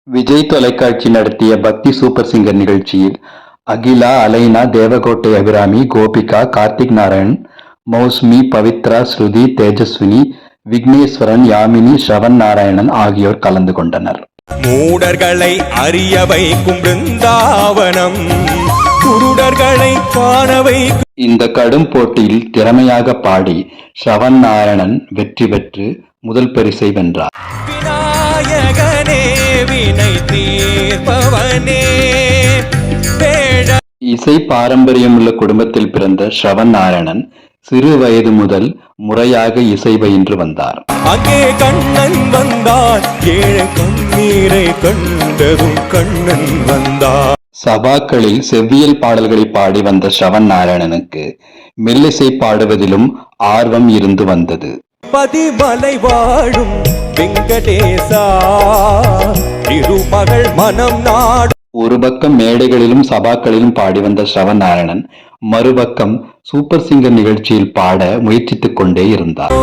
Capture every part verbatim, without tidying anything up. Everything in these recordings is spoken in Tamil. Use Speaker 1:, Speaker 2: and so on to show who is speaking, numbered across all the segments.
Speaker 1: விஜய் தொலைக்காட்சி நடத்திய பக்தி சூப்பர் சிங்கர் நிகழ்ச்சியில் அகிலா, அலைனா, தேவகோட்டை அபிராமி, கோபிகா, கார்த்திக் நாராயண், மௌஸ்மி, பவித்ரா, ஸ்ருதி, தேஜஸ்வினி, விக்னேஸ்வரன், யாமினி, ஸ்ரவன் நாராயணன் ஆகியோர் கலந்து கொண்டனர்.
Speaker 2: மூடர்களை அறிய வைக்கும் பிருந்தாவனம், குருடர்களை காண வைக்கும்.
Speaker 1: இந்த கடும் போட்டியில் திறமையாக பாடி ஸ்ரவன் நாராயணன் வெற்றி பெற்று முதல் பரிசை வென்றார்.
Speaker 2: விநாயகனே வினை தீர்ப்பவனே.
Speaker 1: இசை பாரம்பரியமுள்ள குடும்பத்தில் பிறந்த ஸ்ரவன் நாராயணன் சிறு வயது முதல் முறையாக இசை பயின்று வந்தார்.
Speaker 2: அங்கே கண்ணன் வந்தார், ஏழு கண்ணீரை கண்டதும் கண்ணன் வந்தார்.
Speaker 1: சபாக்களில் செவ்வியல் பாடல்களை பாடி வந்த ஸ்ரவன் நாராயணனுக்கு மெல்லிசை பாடுவதிலும் ஆர்வம் இருந்து வந்தது.
Speaker 2: பதிமலை வாழும் வெங்கடேசா, திருமகள் மனம் நாடு.
Speaker 1: ஒரு பக்கம் மேடைகளிலும் சபாக்களிலும் பாடி வந்த ஸ்ரவன் நாராயணன் மறுபக்கம் சூப்பர் சிங்கர் நிகழ்ச்சியில் பாட முயற்சித்துக் கொண்டே இருந்தார்.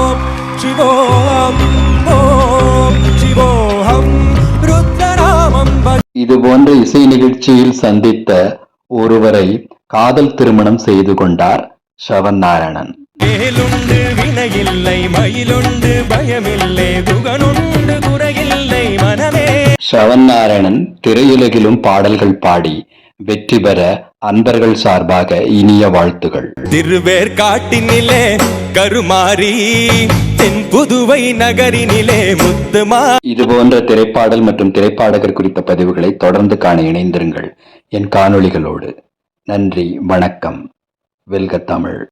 Speaker 1: இது போன்ற இசை நிகழ்ச்சியில் சந்தித்த ஒருவரை காதல் திருமணம் செய்து கொண்டார் ஸ்ரவன் நாராயணன்.
Speaker 2: மேலுண்டு வினையில்லை, மயிலுண்டு பயமில்லை, துகனுண்டு குறையில்லை மனமே.
Speaker 1: ஸ்ரவன் நாராயணன் திரையுலகிலும் பாடல்கள் பாடி வெற்றி பெற அன்பர்கள் சார்பாக இனிய வாழ்த்துகள்.
Speaker 2: திருவேற்காட்டினிலே கருமாறி, தென் புதுவை நகரினிலே முத்துமா.
Speaker 1: இது போன்ற திரைப்பாடல் மற்றும் திரைப்பாடகர் குறித்த பதிவுகளை தொடர்ந்து காண இணைந்திருங்கள் என் காணொளிகளோடு. நன்றி, வணக்கம். வெல்க தமிழ்.